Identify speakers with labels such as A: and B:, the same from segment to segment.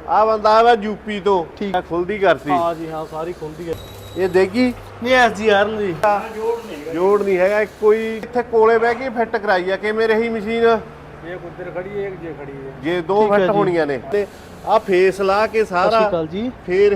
A: ਆ ਬੰਦਾ ਆਇਆ यूपी तो
B: ठीक
A: खुलदी करती।
B: हाँ जी हाँ सारी खुलदी है।
A: ये देगी
B: नहीं एस जी आर जी
A: जोड़ नहीं है कोई इत्थे कोले बह के फिट कराई है कि मेरे ही मशीन
B: ये उधर खड़ी है एक ये खड़ी है
A: ये दो
B: ठीक है
A: फिट
B: जी।
A: होनियां ने ते आ फेस ला के सारा
B: सत श्री अकाल जी।
A: फिर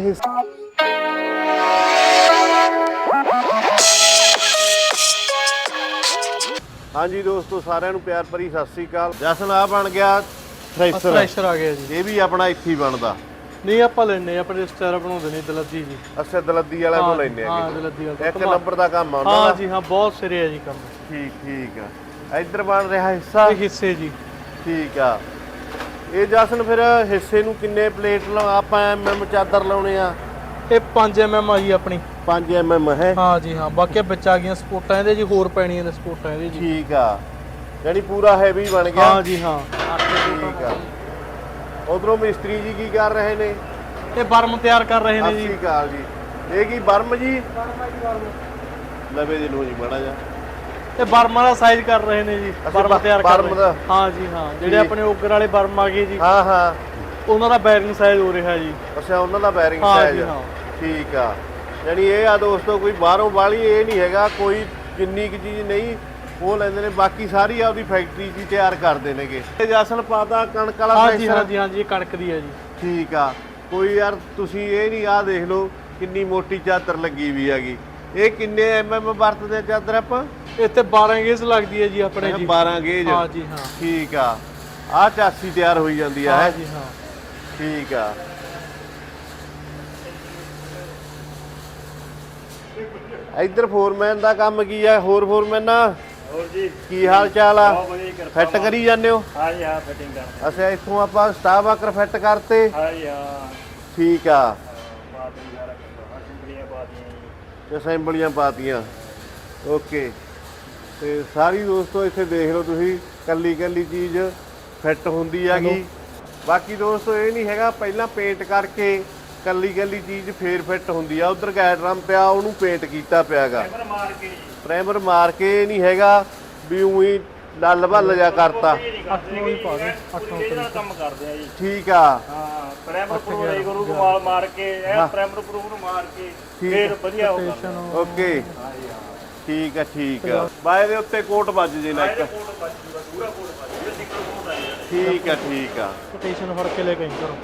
A: हाँ जी दोस्तों साਰਿਆਂ ਨੂੰ ਪਿਆਰ ਭਰੀ ਸਤਿ ਸ੍ਰੀ ਅਕਾਲ। ਜਸਨ ਆ ਬਣ ਗਿਆ ਥ੍ਰੈਸ਼ਰ
B: थ्रैशर आ गया जी।
A: ਇਹ ਵੀ ਆਪਣਾ ਇੱਥੇ ਹੀ ਬਣਦਾ
B: नहीं ਆਪਾਂ ਲੈਣੇ ਆਪਣੇ ਰਿਸ਼ਤੇਦਾਰ ਬਣਾਉਂਦੇ ਨੇ ਦਲੱਦੀ ਜੀ।
A: ਅੱਛਾ ਦਲੱਦੀ ਵਾਲਿਆਂ ਤੋਂ ਲੈਣੇ
B: ਹਾਂ
A: ਆ
B: ਦਲੱਦੀ ਵਾਲਾ
A: ਇੱਕ ਨੰਬਰ ਦਾ ਕੰਮ ਆ ਉਹਨਾਂ
B: हाँ
A: ਦਾ।
B: जी हाँ बहुत सिरे है जी काम।
A: ਠੀਕ ਆ ਇੱਧਰ ਬਣ ਰਿਹਾ ਹਿੱਸਾ
B: ये हिस्से जी
A: ਠੀਕ ਆ। ਇਹ ਜਸਨ ਫਿਰ ਹਿੱਸੇ ਨੂੰ ਕਿੰਨੇ ਪਲੇਟ ਆਪਾਂ ਐਮਐਮ ਚਾਦਰ ਲਾਉਣੇ ਆ?
B: ये 5 mm ਆ ਜੀ ਆਪਣੀ
A: 5 ਐਮਐਮ ਹੈ।
B: हाँ जी हाँ ਬਾਕੀ ਵਿੱਚ ਆ ਗਈਆਂ ਸਪੋਰਟਾਂ ਇਹਦੇ ਜੀ ਹੋਰ ਪੈਣੀਆਂ ਨੇ ਸਪੋਰਟਾਂ ਇਹਦੇ ਜੀ।
A: ਠੀਕ ਆ ਯਾਨੀ ਪੂਰਾ ਹੈਵੀ ਬਣ ਗਿਆ।
B: हाँ जी हाँ
A: ਠੀਕ ਆ। ਉਧਰੋਂ ਮਿਸਤਰੀ ਜੀ ਕੀ ਕਰ ਰਹੇ ਨੇ?
B: ਇਹ ਬਰਮ ਤਿਆਰ ਕਰ ਰਹੇ ਨੇ
A: ਸਤਿ
B: ਜੀ।
A: ਸ਼੍ਰੀ ਅਕਾਲ ਜੀ। ਇਹ ਕੀ ਬਰਮ ਜੀ ਲਵੇ ਜੀ ਨੂੰ ਜੀ ਬੜਾ ਜਾ
B: ਇਹ ਬਰਮਾਂ ਦਾ ਸਾਈਜ਼ ਕਰ ਰਹੇ ਨੇ ਜੀ। ਬਰਮ ਤਿਆਰ ਕਰ
A: ਬਰਮ
B: ਰਹੇ
A: ਦਾ।
B: ਹਾਂ ਜੀ ਹਾਂ ਜਿਹੜੇ ਆਪਣੇ ਓਗਰ ਵਾਲੇ ਬਰਮ ਆ ਗਏ ਜੀ
A: ਹਾਂ ਹਾਂ
B: ਉਹਨਾਂ ਦਾ ਬੈਰਿੰਗ ਸਾਈਜ਼ ਹੋ ਰਿਹਾ ਜੀ।
A: ਅੱਛਾ ਉਹਨਾਂ ਦਾ ਬੈਰਿੰਗ
B: ਹਾਂ
A: ਸਾਈਜ਼
B: ਜੀ ਹਾਂ
A: ਠੀਕ ਆ। ਯਾਨੀ ਇਹ ਆ ਦੋਸਤੋ ਕੋਈ ਬਾਹਰੋਂ ਵਾਲੀ ਇਹ ਨਹੀਂ ਹੈਗਾ ਕੋਈ ਜਿੰਨੀ ਕੁ ਚੀਜ਼ ਨਹੀਂ ਉਹ ਲੈਂਦੇ ਨੇ ਬਾਕੀ ਸਾਰੀ ਆਪਦੀ ਫੈਕਟਰੀ 'ਚ ਹੀ ਤਿਆਰ ਕਰਦੇ ਨੇਗੇ। ਇਹ ਜਸਨ ਪਾਤਾ ਕਣਕ ਵਾਲਾ
B: ਹਾਂ ਜੀ
A: ਫੈਕਟਰ।
B: ਹਾਂ ਜੀ ਹਾਂ ਜੀ ਇਹ ਕਣਕ ਦੀ ਹੈ ਜੀ।
A: ਠੀਕ ਆ ਕੋਈ ਯਾਰ ਤੁਸੀਂ ਇਹ ਨਹੀਂ ਆ ਦੇਖ ਲਓ ਕਿੰਨੀ ਮੋਟੀ ਚਾਦਰ ਲੱਗੀ ਵੀ ਹੈਗੀ। ਇਹ ਕਿੰਨੇ ਐਮਐਮ ਵਰਤਦੇ ਚਾਦਰ ਆਪਾਂ?
B: ਇੱਥੇ 12 ਗੇਜ ਲੱਗਦੀ ਹੈ ਜੀ ਆਪਣੇ ਜੀ।
A: 12 ਗੇਜ
B: ਹਾਂ ਜੀ ਹਾਂ
A: ਠੀਕ ਆ। ਆ ਚਾਸੀ ਤਿਆਰ ਹੋਈ ਜਾਂਦੀ ਆ
B: ਹਾਂ
A: ਹੈ
B: ਜੀ ਹਾਂ
A: ਠੀਕ ਆ। ਇੱਧਰ ਫੋਰਮੈਨ ਦਾ ਕੰਮ ਕੀ ਆ? ਹੋਰ ਫੋਰਮੈਨਾ
C: ਹੋਰ ਜੀ
A: ਕੀ ਹਾਲ ਚਾਲ ਆ?
C: ਬਹੁਤ ਵਧੀਆ ਕਿਰਪਾ
A: ਫਿੱਟ ਕਰੀ ਜਾਂਦੇ ਹੋ?
C: ਹਾਂ ਜੀ ਹਾਂ ਫਿਟਿੰਗ ਕਰਦੇ
A: ਅੱਛਾ ਇੱਥੋਂ ਆਪਾਂ ਸਟਾਫ ਆਕਰ ਫਿੱਟ ਕਰਤੇ
C: ਹਾਂ ਜੀ ਹਾਂ
A: ਠੀਕ ਆ।
C: ਬਾਤ ਵੀ ਸਾਰਾ ਸਿੰਪਲੀਆਂ ਬਾਤੀਆਂ ਜੀ
A: ਅਸੈਂਬਲੀਆਂ ਪਾਤੀਆਂ ਓਕੇ। ਤੇ ਸਾਰੀ ਦੋਸਤੋ ਇੱਥੇ ਦੇਖ ਲਓ ਤੁਸੀਂ ਕੱਲੀ ਕੱਲੀ ਚੀਜ਼ ਫਿੱਟ ਹੁੰਦੀ ਹੈਗੀ। ਬਾਕੀ ਦੋਸਤੋ ਇਹ ਨਹੀਂ ਹੈਗਾ ਪਹਿਲਾਂ ਪੇਂਟ ਕਰਕੇ ਕੱਲੀ ਕੱਲੀ ਚੀਜ਼ ਫੇਰ ਫਿੱਟ ਹੁੰਦੀ ਆ। ਉਧਰ ਗੈਡਰਮ ਪਿਆ ਉਹਨੂੰ ਪੇਂਟ ਕੀਤਾ ਪਿਆਗਾ
C: ਕੈਮਰਾ ਮਾਰ ਕੇ ਜੀ
A: ਪ੍ਰਾਈਮਰ ਮਾਰ ਕੇ ਨਹੀਂ ਹੈਗਾ ਵੀ ਉਹੀ ਲੱਲ ਭੱਲ ਜਾ ਕਰਤਾ।
B: 8 ਨੂੰ ਹੀ ਪਾ ਦੇ 8
C: ਇਹਦੇ ਨਾਲ ਕੰਮ ਕਰਦੇ ਆ ਜੀ।
A: ਠੀਕ ਆ
C: ਹਾਂ ਪ੍ਰਾਈਮਰ ਪ੍ਰੂਫ ਗੁਰੂ ਕਮਾਲ ਮਾਰ ਕੇ ਇਹ ਪ੍ਰਾਈਮਰ ਪ੍ਰੂਫ ਨੂੰ ਮਾਰ ਕੇ ਫੇਰ ਵਧੀਆ ਹੋ ਕਰਦਾ।
A: ਓਕੇ
C: ਹਾਂ ਜੀ ਹਾਂ
A: ਠੀਕ ਆ ਠੀਕ ਆ। ਬਾਏ ਦੇ ਉੱਤੇ ਕੋਟ ਵੱਜ ਜੇ ਨਾ ਇੱਕ।
C: ਕੋਟ ਬੱਜੂਗਾ ਪੂਰਾ ਕੋਟ ਬੱਜੂਗਾ ਸਿੰਗਲ ਕੋਟ ਆ ਜੀ।
A: ਠੀਕ ਆ ਠੀਕ ਆ।
B: ਕੋਟੇਸ਼ਨ ਫੜ ਕੇ ਲੈ ਕੇ ਕਰੋ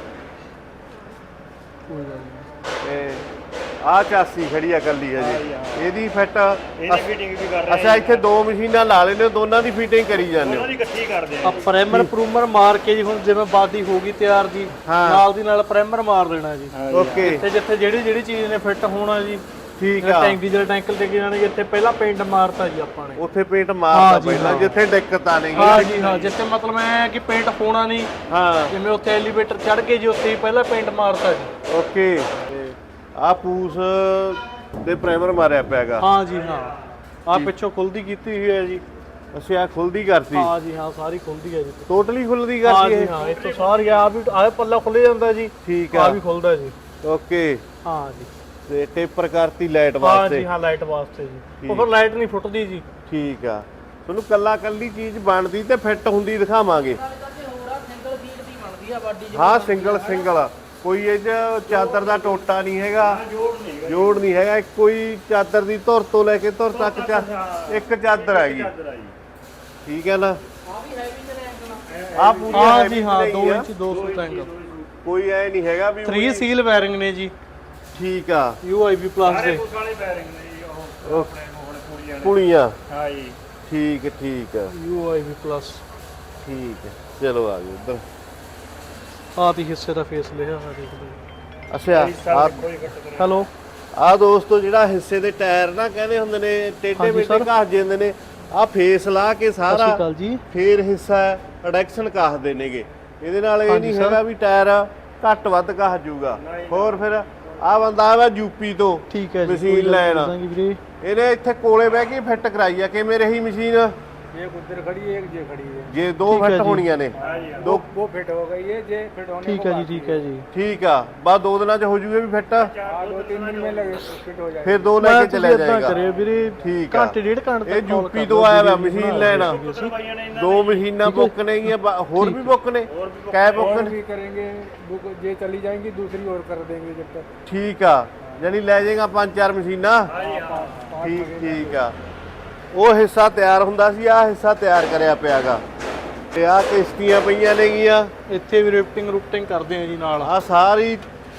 B: ਕੋਈ ਗੱਲ ਨਹੀਂ।
A: ਤੇ ਆ ਚਾਸੀ ਖੜੀ ਆ ਕੱਲੀ ਆ ਜੀ ਇਹਦੀ ਫਿੱਟ
C: ਇਹਦੀ ਫਿਟਿੰਗ ਵੀ ਕਰ ਰਹੇ
A: ਅੱਛਾ ਇੱਥੇ ਦੋ ਮਸ਼ੀਨਾਂ ਲਾ ਲੈਂਦੇ ਹੋ ਦੋਨਾਂ ਦੀ ਫਿਟਿੰਗ ਕਰੀ ਜਾਂਦੇ ਹੋ?
C: ਉਹਨਾਂ ਦੀ ਇਕੱਠੀ ਕਰਦੇ ਆ
B: ਆ ਪ੍ਰਾਈਮਰ ਪ੍ਰੂਮਰ ਮਾਰ ਕੇ ਜੀ ਹੁਣ ਜਿਵੇਂ ਬਾਦੀ ਹੋ ਗਈ ਤਿਆਰ ਜੀ
A: ਹਾਂ।
B: ਨਾਲ ਦੀ ਨਾਲ ਪ੍ਰਾਈਮਰ ਮਾਰ ਦੇਣਾ ਜੀ।
A: ਓਕੇ
B: ਜਿੱਥੇ ਜਿੱਥੇ ਜਿਹੜੀ ਚੀਜ਼ ਨੇ ਫਿੱਟ ਹੋਣਾ ਜੀ
A: ਠੀਕ ਆ।
B: ਟੈਂਕ ਡੀਜ਼ਲ ਟੈਂਕਲ ਤੇ ਜਾਣੇ ਜਿੱਥੇ ਪਹਿਲਾਂ ਪੇਂਟ ਮਾਰਤਾ ਜੀ ਆਪਾਂ ਨੇ।
A: ਉੱਥੇ ਪੇਂਟ
B: ਹਾਂ
A: ਮਾਰਦਾ
B: ਜੀ,
A: ਪਹਿਲਾਂ
B: ਹਾਂ।
A: ਜਿੱਥੇ ਦਿੱਕਤ ਆ ਨਹੀਂ
B: ਹਾਂ ਜੀ ਹਾਂ ਜਿੱਥੇ ਮਤਲਬ ਐ ਕਿ ਪੇਂਟ ਹੋਣਾ ਨਹੀਂ
A: ਹਾਂ
B: ਜਿਵੇਂ ਉੱਥੇ ਐਲੀਵੇਟਰ ਚੜ ਕੇ ਜੀ ਉੱਥੇ ਹੀ ਪਹਿਲਾਂ ਪੇਂਟ ਮਾਰਤਾ ਜੀ।
A: ਓਕੇ। ਆ ਪੂਸ ਦੇ ਪ੍ਰਾਈਮਰ ਮਾਰਿਆ ਪਿਆਗਾ।
B: ਹਾਂ ਜੀ ਹਾਂ ਆ ਪਿੱਛੋਂ ਖੁੱਲਦੀ ਕੀਤੀ ਹੋਈ ਹੈ ਜੀ।
A: ਅੱਛਾ ਆ ਖੁੱਲਦੀ ਕਰਤੀ
B: ਹਾਂ ਜੀ ਹਾਂ ਸਾਰੀ ਖੁੱਲਦੀ ਹੈ ਜੀ।
A: ਟੋਟਲੀ ਖੁੱਲਦੀ
B: ਹਾਂ
A: ਕਰਤੀ
B: ਜੀ
A: ਇਹ?
B: ਹਾਂ ਇੱਥੋਂ ਸਾਰੀ ਆ ਵੀ ਆਹ ਪੱਲਾ ਖੁੱਲ ਜਾਂਦਾ ਜੀ
A: ਠੀਕ
B: ਆ
A: ਆ
B: ਵੀ ਖੁੱਲਦਾ ਜੀ।
A: ਓਕੇ
B: ਹਾਂ ਜੀ
A: ਤੇ ਟੇਪਰ ਕਰਤੀ ਲਾਈਟ
B: ਹਾਂ
A: ਵਾਸਤੇ।
B: ਜੀ ਹਾਂ ਲਾਈਟ ਵਾਸਤੇ ਜੀ ਉਹ ਫਿਰ ਲਾਈਟ ਨਹੀਂ ਫੁੱਟਦੀ ਜੀ।
A: ਠੀਕ ਆ ਤੁਹਾਨੂੰ ਕੱਲਾ ਕੱਲੀ ਚੀਜ਼ ਬਣਦੀ ਤੇ ਫਿੱਟ ਹੁੰਦੀ ਦਿਖਾਵਾਂਗੇ। ਹਾਂ ਸਿੰਗਲ ਕੋਈ ਇਹ 'ਚ ਚਾਦਰ ਦਾ ਟੋਟਾ ਨਹੀਂ ਹੈਗਾ ਜੋੜ ਨਹੀਂ ਹੈਗਾ ਕੋਈ ਚਾਦਰ ਦੀ ਧੁਰ ਤੋਂ ਲੈ ਕੇ ਧੁਰ ਤੱਕ ਇੱਕ ਚਾਦਰ ਹੈਗੀ ਠੀਕ ਹੈ ਨਾ? ਆ ਪੂਰੀ
B: ਹਾਂ ਜੀ ਹਾਂ 2 ਇੰਚ 200 ਟੈਂਕ
A: ਕੋਈ ਐ ਨਹੀਂ ਹੈਗਾ ਵੀ
B: 3 ਸੀਲ ਵਾਇਰਿੰਗ ਨੇ ਜੀ।
A: ਠੀਕ ਆ।
B: UIB ਪਲੱਸ ਦੇ
C: ਉਸ ਵਾਲੇ ਬੈਰਿੰਗ ਨੇ ਜੀ ਉਹ ਆਪਣੇ ਹੁਣ ਕੁੜੀਆਂ ਨੇ
A: ਪੁਲੀਆਂ
C: ਹਾਂ ਜੀ
A: ਠੀਕ ਆ
B: UIB ਪਲੱਸ
A: ਠੀਕ ਹੈ ਚਲੋ ਆ ਜਾਓ ਉੱਧਰ।
B: ਆਹ ਦੀ ਹਿੱਸੇ ਦਾ ਫੇਸ ਲਿਆ ਹੋਇਆ ਦੇਖ ਲਓ।
A: ਅੱਛਾ ਆ
C: ਕੋਈ ਘੱਟ ਕਰੇ
B: ਹੈਲੋ
A: ਆ ਦੋਸਤੋ ਜਿਹੜਾ ਹਿੱਸੇ ਦੇ ਟਾਇਰ ਨਾ ਕਹਿੰਦੇ ਹੁੰਦੇ ਨੇ ਟੇਢੇ
B: ਹਾਂਜੀ
A: ਮੇਢੇ
B: ਸਰ।
A: ਘਸ ਜਾਂਦੇ ਨੇ ਆ ਫੇਸ ਲਾ ਕੇ
B: ਸਤਿ ਸ਼੍ਰੀ
A: ਸਾਰਾ
B: ਅਕਾਲ ਜੀ।
A: ਫੇਰ ਹਿੱਸਾ ਐਡੈਕਸ਼ਨ ਘਸਦੇ ਨੇਗੇ। ਇਹਦੇ ਨਾਲ ਇਹ
B: ਹਾਂਜੀ
A: ਨਹੀਂ
B: ਸਰ।
A: ਹੈਗਾ ਵੀ ਟਾਇਰ ਘੱਟ ਵੱਧ ਘਸ ਜਾਊਗਾ। ਹੋਰ ਫਿਰ ਆ ਬੰਦਾ ਆਇਆ यूपी ਤੋਂ
B: ਠੀਕ ਹੈ ਜੀ
A: ਮਸ਼ੀਨ ਲੈਣ
B: ਦਾਂਗੇ ਵੀਰੇ।
A: ਇਹਨੇ ਇੱਥੇ ਕੋਲੇ ਬਹਿ ਕੇ ਫਿੱਟ ਕਰਾਈ ਆ ਕਿ ਮੇਰੇ ਹੀ ਮਸ਼ੀਨ
D: एक उधर खड़ी है एक ये खड़ी है।
A: ਜੇ ਦੋ
B: ਠੀਕ ਹੈ
A: ਫਿੱਟ
B: ਜੀ।
A: ਹੋਣੀਆਂ ਨੇ ਦੋ
D: वो फिट हो गई है जे फिट होने
B: ਠੀਕ
D: को
B: ਹੈ ਜੀ
D: बाकी
B: ਠੀਕ ਹੈ ਜੀ
A: ਠੀਕ ਆ ਬਸ 2 ਦਿਨਾਂ ਚ ਹੋ ਜੂਗੇ ਵੀ ਫਿੱਟ
D: हाँ 2-3 दिन में लगे फिट हो जाएगा।
A: ਫਿਰ 2 ਲੈ ਕੇ ਚਲਿਆ
B: ਇਦਾਂ
A: ਜਾਏਗਾ
B: ਕਰਿਓ ਵੀਰੇ
A: ਠੀਕ ਆ
B: ਘੰਟੇ ਡੇਢ ਘੰਟੇ
A: ਇਹ
B: ਤੱਕ call
A: ਯੂਪੀ
B: ਕਰ
A: ਤੋਂ
B: ਦਿਓ,
A: ਆਇਆ ਵਾ
B: ਵੀਡੀਓ
A: ਮਸ਼ੀਨ
B: ਬਣਾ
A: ਲੈਣਾ
B: ਦਿਓ ਅਸੀਂ।
C: ਬਾਈਆਂ ਨੇ
A: 2 ਮਸ਼ੀਨਾਂ ਬੁੱਕ ਨੇਗੀਆਂ ਹੋਰ ਵੀ ਬੁੱਕ ਨੇ ਕੈ
D: और
A: ਬੁੱਕ
D: भी करेंगे बुक ये चली जाएंगी दूसरी और कर देंगे जब तक।
A: ਠੀਕ ਆ ਯਾਨੀ ਲੈ ਜਾਏਗਾ 5-4 ਮਸ਼ੀਨਾਂ ਠੀਕ ਆ ਉਹ ਹਿੱਸਾ ਤਿਆਰ ਹੁੰਦਾ ਸੀ ਆ ਹਿੱਸਾ ਤਿਆਰ ਕਰਿਆ ਪਿਆਗਾ ਤੇ ਆ ਕਿਸ਼ਤੀਆਂ ਪਈਆਂ ਨੇਗੀਆਂ
B: ਇੱਥੇ ਵੀ ਰਿਫਟਿੰਗ ਕਰਦੇ ਆ ਜੀ ਨਾਲ
A: ਆ ਸਾਰੀ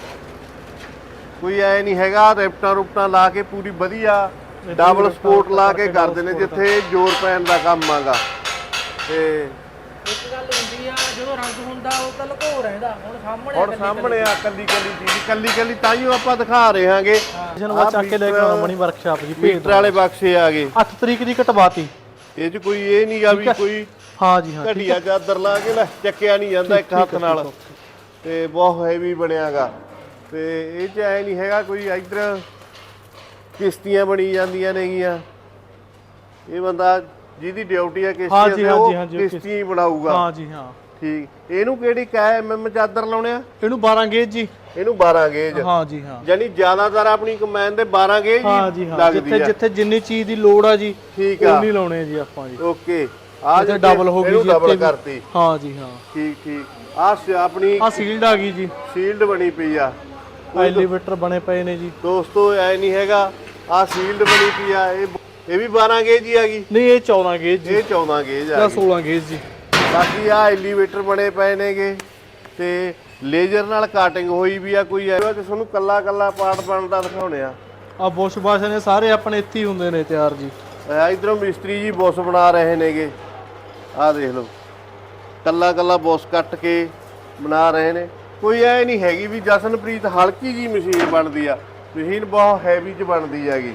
A: ਕੋਈ ਐ ਨਹੀਂ ਹੈਗਾ ਰਿਪਟਾਂ ਲਾ ਕੇ ਪੂਰੀ ਵਧੀਆ ਡਬਲ ਸਪੋਰਟ ਲਾ ਕੇ ਕਰਦੇ ਨੇ ਜਿੱਥੇ ਜ਼ੋਰ ਪੈਣ ਦਾ ਕੰਮ ਆਗਾ ਤੇ
E: ਇੱਕ ਗੱਲ ਹੁੰਦੀ ਆ ਜਦੋਂ ਰੰਗ ਹੁੰਦਾ ਉਹ ਤਾਂ ਲੁਕੋ ਰਹਿੰਦਾ ਹੁਣ
A: ਸਾਹਮਣੇ ਆ ਕੱਲੀ ਚੀਜ਼ ਤਾਈਓ ਆਪਾਂ ਦਿਖਾ ਰਹੇ ਹਾਂਗੇ
B: ਜਨ ਵਾ ਚੱਕ ਕੇ ਲੈ ਕੇ ਆਉਣਾ ਬਣੀ ਵਰਕਸ਼ਾਪ ਜੀ ਭੇਜ
A: ਮੀਟਰ ਵਾਲੇ ਬਕਸੇ ਆ ਗਏ
B: 8 ਤਰੀਕ ਦੀ ਕਟਵਾਤੀ
A: ਇਹ ਚ ਕੋਈ ਇਹ ਨਹੀਂਗਾ ਵੀ ਕੋਈ
B: ਹਾਂ ਜੀ ਹਾਂ
A: ਘਟੀਆ ਚਾਦਰ ਲਾ ਕੇ ਲੈ ਚੱਕਿਆ ਨਹੀਂ ਜਾਂਦਾ ਇੱਕ ਹੱਥ ਨਾਲ ਤੇ ਬਹੁਤ ਹੈਵੀ ਬਣਿਆਗਾ ਤੇ ਇਹ ਚ ਐ ਨਹੀਂ ਹੈਗਾ ਕੋਈ ਇਧਰ ਕਿਸ਼ਤੀਆਂ ਬਣੀ ਜਾਂਦੀਆਂ ਨੇਗੀਆਂ ਇਹ ਬੰਦਾ ਜਿਹਦੀ ਡਿਊਟੀ ਹੈ
B: ਹਾਂ
A: ਕਿਸ਼ਤੀ
B: ਜੀ,
A: ਤੇ
B: ਹਾਂ
A: ਉਹ
B: ਜੀ, ਹਾਂ ਜੀ,
A: ਕਿਸ਼ਤੀ ਬਣਾਊਗਾ
B: ਹਾਂ ਜੀ ਹਾਂ
A: ਠੀਕ ਇਹਨੂੰ ਕਿਹੜੀ ਕੈ ਐਮਐਮ ਚਾਦਰ ਲਾਉਣੇ ਆ
B: ਇਹਨੂੰ 12 ਗੇਜ ਜੀ
A: ਇਹਨੂੰ 12 ਗੇਜ
B: ਹਾਂ ਜੀ ਹਾਂ
A: ਯਾਨੀ ਜ਼ਿਆਦਾਤਰ ਆਪਣੀ ਕਮੈਨ ਦੇ 12 ਗੇਜ
B: ਹਾਂ ਜੀ ਹਾਂ
A: ਲੱਗਦੀ
B: ਜਿੱਥੇ
A: ਆ
B: ਜਿੱਥੇ ਜਿੰਨੀ ਚੀਜ਼ ਦੀ ਲੋੜ ਆ ਜੀ
A: ਠੀਕ ਆ
B: ਉਨੀ ਲਾਉਣੇ ਆ ਜੀ ਆਪਾਂ ਜੀ
A: ਓਕੇ ਆ
B: ਇੱਥੇ ਡਬਲ ਹੋ ਗਈ ਜੀ
A: ਡਬਲ
B: ਇੱਥੇ ਵੀ।
A: ਕਰਤੀ
B: ਹਾਂ ਜੀ ਹਾਂ
A: ਠੀਕ ਆ ਆਪਣੀ
B: ਆ ਸੀਲਡ ਆ ਗਈ ਜੀ
A: ਸ਼ੀਲਡ ਬਣੀ ਪਈ ਆ
B: ਐਲੀਵੇਟਰ ਬਣੇ ਪਏ ਨੇ ਜੀ
A: ਦੋਸਤੋ ਐ ਨਹੀਂ ਹੈਗਾ ਆ ਸ਼ੀਲਡ ਬਣੀ ਪਈ ਆ ਇਹ ਵੀ 12 ਗੇਜ ਹੀ ਆ ਗਈ
B: ਨਹੀਂ ਇਹ 14 ਗੇਜ ਜੀ
A: ਇਹ 14 ਗੇਜ ਆ
B: ਜਾਂ
A: ਗਈ
B: 16 ਗੇਜ ਜੀ
A: ਬਾਕੀ ਆ ਐਲੀਵੇਟਰ ਬਣੇ ਪਏ ਨੇਗੇ ਤੇ ਲੇਜ਼ਰ ਨਾਲ ਕਾਟਿੰਗ ਹੋਈ ਵੀ ਆ ਕੋਈ ਐ ਕਿ ਤੁਹਾਨੂੰ ਕੱਲਾ ਪਾਰਟ ਬਣਦਾ ਦਿਖਾਉਣੇ ਆ
B: ਆ ਬੁਸ਼ ਬਾਸ਼ ਨੇ ਸਾਰੇ ਆਪਣੇ ਇੱਥੇ ਹੀ ਹੁੰਦੇ ਨੇ ਤਿਆਰ ਜੀ
A: ਇਧਰੋਂ ਮਿਸਤਰੀ ਜੀ ਬੁੱਸ ਬਣਾ ਰਹੇ ਨੇਗੇ ਆਹ ਦੇਖ ਲਓ ਕੱਲਾ ਬੁੱਸ ਕੱਟ ਕੇ ਬਣਾ ਰਹੇ ਨੇ ਕੋਈ ਐ ਨਹੀਂ ਹੈਗੀ ਵੀ ਜਸਨਪ੍ਰੀਤ ਹਲਕੀ ਜੀ ਮਸ਼ੀਨ ਬਣਦੀ ਆ ਮਸ਼ੀਨ ਬਹੁਤ ਹੈਵੀ ਚ ਬਣਦੀ ਹੈਗੀ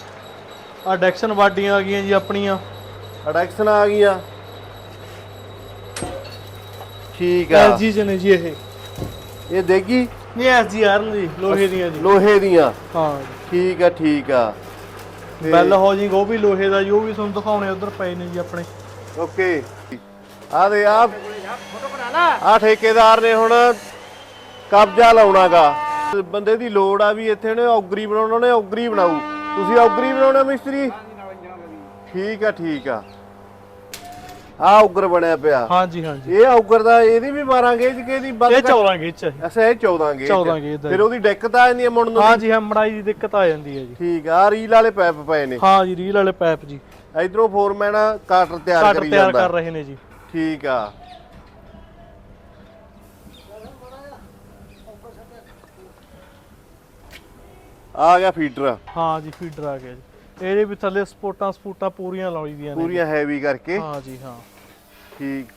B: ਆ ਡੈਕਸ਼ਨ ਬਾਡੀਆਂ ਆ ਗਈਆਂ ਜੀ ਆਪਣੀਆਂ
A: ਅਡੈਕਸ਼ਨ ਆ ਗਈਆਂ ਠੀਕ ਆ
B: ਐਸਜੀ ਚ ਨੇ ਜੀ ਇਹ
A: ਦੇਗੀ
B: ਨਹੀਂ ਐਸਜੀ ਆਰਨ ਜੀ ਲੋਹੇ ਦੀਆਂ ਜੀ
A: ਲੋਹੇ ਦੀਆਂ
B: ਹਾਂ
A: ਠੀਕ ਆ
B: ਬੈਲ ਹਾਊਸਿੰਗ ਉਹ ਵੀ ਲੋਹੇ ਦਾ ਜੀ ਉਹ ਵੀ ਤੁਹਾਨੂੰ ਦਿਖਾਉਣੇ ਉਧਰ ਪਏ ਨੇ ਜੀ ਆਪਣੇ
A: ਓਕੇ ਆ ਦੇ ਆ ਠੇਕੇਦਾਰ ਨੇ ਹੁਣ ਕਬਜ਼ਾ ਲਾਉਣਾਗਾ ਬੰਦੇ ਦੀ ਲੋੜ ਆ ਵੀ ਇੱਥੇ ਨੇ ਔਗਰੀ ਬਣਾਉਣਾ ਨੇ ਔਗਰੀ ਬਣਾਊ ਤੁਸੀਂ ਔਗਰੀ ਬਣਾਉਣਾ ਮਿਸਤਰੀ ਠੀਕ ਆ ਆ ਔਗਰ ਬਣਿਆ ਪਿਆ
B: ਹਾਂ ਜੀ ਹਾਂ ਜੀ
A: ਇਹ ਔਗਰ ਦਾ ਇਹਦੀ ਵੀ 12 ਗੇਜ ਕੇ ਦੀ
B: ਇਹ 14 ਗੇਜ ਚ ਹੈ
A: ਅੱਛਾ ਇਹ 14 ਗੇਜ
B: 14 ਗੇਜ ਦਾ
A: ਫਿਰ ਉਹਦੀ ਦਿੱਕਤ ਆ ਜਾਂਦੀ ਹੈ ਮੁੜਨ ਨੂੰ
B: ਹਾਂ ਜੀ ਹਾਂ ਮੜਾਈ ਦੀ ਦਿੱਕਤ ਆ ਜਾਂਦੀ ਹੈ ਜੀ
A: ਠੀਕ ਆ ਰੀਲ ਵਾਲੇ ਪੈਪ ਪਏ ਨੇ
B: ਹਾਂ ਜੀ ਰੀਲ ਵਾਲੇ ਪਾਈਪ ਜੀ
A: ਇਧਰੋਂ ਫੋਰਮੈਨ ਕਾਟਰ ਤਿਆਰ
B: ਕੱਟ
A: ਕਰੀ
B: ਤਿਆਰ
A: ਜਾਂਦਾ
B: ਕਰ ਰਹੇ ਨੇ ਜੀ
A: ਠੀਕ ਆ ਆ ਗਿਆ ਫੀਡਰ
B: ਹਾਂ ਜੀ ਫੀਡਰ ਆ ਗਿਆ ਜੀ ਇਹਦੇ ਵੀ ਥੱਲੇ ਸਪੋਰਟਾਂ ਪੂਰੀਆਂ ਲਾਈ ਦੀਆਂ ਨੇ
A: ਪੂਰੀਆਂ ਹੈਵੀ ਕਰਕੇ
B: ਹਾਂ ਜੀ ਹਾਂ
A: ਠੀਕ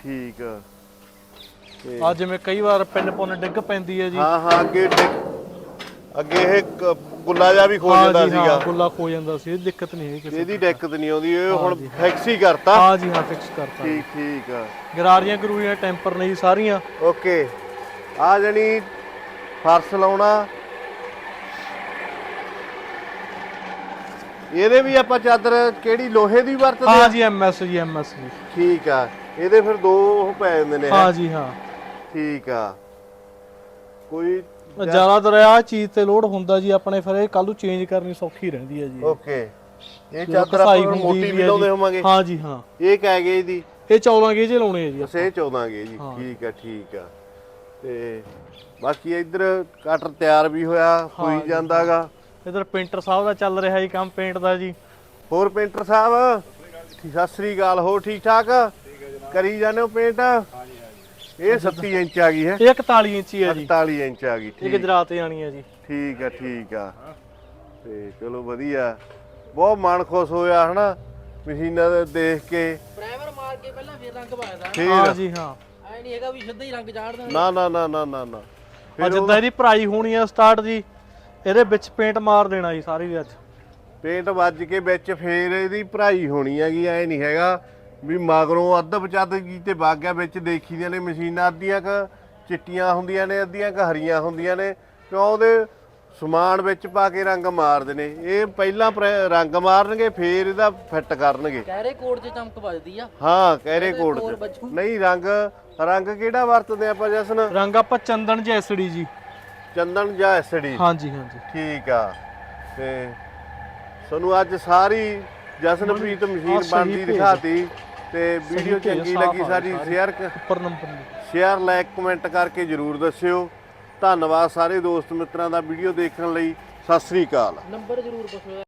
A: ਤੇ
B: ਆ ਜਿਵੇਂ ਕਈ ਵਾਰ ਪਿੰਨ ਪੁੰਨ ਡਿੱਗ ਪੈਂਦੀ ਹੈ ਜੀ
A: ਹਾਂ ਅੱਗੇ ਇਹ ਗੁੱਲਾ ਜਾ ਵੀ ਖੋ ਜਾਂਦਾ
B: ਹਾਂ ਜੀ,
A: ਸੀਗਾ
B: ਹਾਂ ਗੁੱਲਾ ਖੋ ਜਾਂਦਾ ਸੀ ਇਹ ਦਿੱਕਤ ਨਹੀਂ ਹੈ ਕਿਸੇ
A: ਇਹਦੀ ਦਿੱਕਤ ਨਹੀਂ ਆਉਂਦੀ ਇਹ ਹੁਣ ਫਿਕਸ ਹੀ ਕਰਤਾ
B: ਹਾਂ ਜੀ ਹਾਂ ਫਿਕਸ ਕਰਤਾ
A: ਠੀਕ ਆ
B: ਗਰਾਰੀਆਂ ਗਰੂਰੀਆਂ ਟੈਂਪਰ ਨੇ ਜੀ ਸਾਰੀਆਂ
A: ਓਕੇ ਆ ਜਣੀ ਫਰਸ਼ ਲਾਉਣਾ ਇਹਦੇ ਵੀ ਆਪਾਂ ਚਾਦਰ ਕਿਹੜੀ ਲੋਹੇ ਦੀ ਵਰਤਦੇ
B: ਹਾਂ ਜੀ ਐਮਐਸ ਜੀ
A: ਠੀਕ ਆ ਇਹਦੇ ਫਿਰ ਦੋ ਉਹ ਪੈ ਜਾਂਦੇ ਨੇ
B: ਹਾਂ ਜੀ ਹਾਂ
A: ਠੀਕ ਆ ਕੋਈ
B: ਜ਼ਿਆਦਾਤਰ ਆ ਚੀਜ਼ ਤੇ ਲੋਡ ਹੁੰਦਾ ਜੀ ਆਪਣੇ ਫਿਰ ਇਹ ਕੱਲ ਨੂੰ ਚੇਂਜ ਕਰਨੀ ਸੌਖੀ ਰਹਿੰਦੀ ਹੈ ਜੀ
A: ਓਕੇ ਇਹ ਚਾਦਰ ਆਪਾਂ ਮੋਟੀ ਵੀ ਲਾਉਂਦੇ ਹੋਵਾਂਗੇ
B: ਹਾਂ ਜੀ ਹਾਂ
A: ਇਹ ਕਹਿ ਗਏ ਜੀ
B: ਇਹ 14 ਗੇਜ ਲਾਉਣੇ ਆ ਜੀ
A: ਬਸ ਇਹ 14 ਗਏ ਜੀ ਠੀਕ ਆ ਤੇ ਬਾਕੀ ਇੱਧਰ ਕਟਰ ਤਿਆਰ ਵੀ ਹੋਈ ਜਾਂਦਾਗਾ
B: ਇਧਰ ਪੇਂਟਰ ਸਾਹਿਬ ਦਾ ਚੱਲ ਰਿਹਾ ਜੀ ਕੰਮ ਪੇਂਟ ਦਾ ਜੀ
A: ਹੋਰ ਪੇਂਟਰ ਸਾਹਿਬ ਸਤਿ ਸ੍ਰੀ ਅਕਾਲ ਹੋ ਠੀਕ ਠਾਕ ਕਰੀ ਜਾਂਦੇ ਹੋ ਪੇਂਟ ਇਹ 37 ਇੰਚ ਆ ਗਈ ਹੈ
B: ਇਹ 41 ਇੰਚੀ ਹੈ ਜੀ
A: 48 ਇੰਚ ਆ ਗਈ
B: ਇਹ ਗੁਜਰਾਤ ਤੇ ਆਣੀ ਹੈ ਜੀ
A: ਠੀਕ ਆ ਤੇ ਚਲੋ ਵਧੀਆ ਬਹੁਤ ਮਨ ਖੁਸ਼ ਹੋਇਆ ਹਨਾ ਮਸ਼ੀਨਾਂ ਦੇ ਦੇਖ ਕੇ
E: ਪ੍ਰਾਈਮਰ ਮਾਰ ਕੇ ਪਹਿਲਾਂ ਫਿਰ ਰੰਗ ਪਾਇਦਾ
B: ਹਾਂ ਜੀ ਹਾਂ
E: ਐ ਨਹੀਂ ਹੈਗਾ ਵੀ ਸਿੱਧਾ ਹੀ ਰੰਗ ਚਾੜ ਦੇਣਾ
A: ਨਾ
B: ਅੱਜ ਜਿੱਦਾਂ ਇਹਦੀ ਭਰਾਈ ਹੋਣੀ ਆ ਸਟਾਰਟ ਜੀ ਇਹਦੇ ਵਿੱਚ ਪੇਂਟ ਮਾਰ ਦੇਣਾ ਜੀ ਸਾਰੀ ਦੀ ਅੱਜ
A: ਪੇਂਟ ਵੱਜ ਕੇ ਵਿੱਚ ਫੇਰ ਇਹਦੀ ਭਰਾਈ ਹੋਣੀ ਹੈਗੀ ਐ ਨਹੀਂ ਹੈਗਾ ਵੀ ਮਗਰੋਂ ਅੱਧ ਬਚੱਦ ਕੀਤੇ ਵਗ ਗਿਆ ਵਿੱਚ ਦੇਖੀ ਦੀਆਂ ਨੇ ਮਸ਼ੀਨਾਂ ਅੱਧੀਆਂ ਕ ਚਿੱਟੀਆਂ ਹੁੰਦੀਆਂ ਨੇ ਅੱਧੀਆਂ ਕ ਹਰੀਆਂ ਹੁੰਦੀਆਂ ਨੇ ਕਿਉਂ ਉਹਦੇ ਸਮਾਨ ਵਿੱਚ ਪਾ ਕੇ ਰੰਗ ਮਾਰਦੇ ਨੇ। ਇਹ ਪਹਿਲਾਂ ਰੰਗ ਮਾਰਨਗੇ ਫੇਰ ਇਹਦਾ ਫਿੱਟ ਕਰਨਗੇ।
E: ਕਹਿਰੇ ਕੋਟ 'ਚ ਚਮਕ ਵੱਜਦੀ ਆ।
A: ਹਾਂ ਕਹਿਰੇ ਕੋਡ
E: ਹੋਰ
A: ਚ
E: ਵੱਜੂ।
A: ਨਹੀਂ ਰੰਗ ਕਿਹੜਾ ਵਰਤਦੇ ਆਪਾਂ ਜਸਨ?
B: ਰੰਗ ਆਪਾਂ ਚੰਦਨ ਜੈਸੜੀ ਜੀ।
A: ਚੰਦਨ ਜਾਂ ਐਸਡੀ।
B: ਹਾਂਜੀ ਹਾਂਜੀ
A: ਠੀਕ ਆ। ਤੇ ਤੁਹਾਨੂੰ ਅੱਜ ਸਾਰੀ ਜਸਨਪ੍ਰੀਤ ਮਸ਼ੀਨ
B: ਸਹੀ
A: ਬਣਦੀ
B: ਭੇਜ।
A: ਦਿਖਾਤੀ ਤੇ ਵੀਡੀਓ
B: ਭੇਜ,
A: ਚੰਗੀ
B: ਸਾਫ਼
A: ਲੱਗੀ
B: ਆ
A: ਸਾਰੀ
B: ਸਾਰੀ।
A: ਸ਼ੇਅਰ
B: ਉੱਪਰ ਨੰਬਰ ਨਹੀਂ।
A: ਸ਼ੇਅਰ ਲਾਈਕ ਕਮੈਂਟ ਕਰਕੇ ਜਰੂਰ ਦੱਸਿਓ। ਧੰਨਵਾਦ ਸਾਰੇ ਦੋਸਤ ਮਿੱਤਰਾਂ ਦਾ ਵੀਡੀਓ ਦੇਖਣ ਲਈ। ਸਤਿ ਸ੍ਰੀ ਅਕਾਲ।
E: ਨੰਬਰ ਜ਼ਰੂਰ ਪੁੱਛੋ।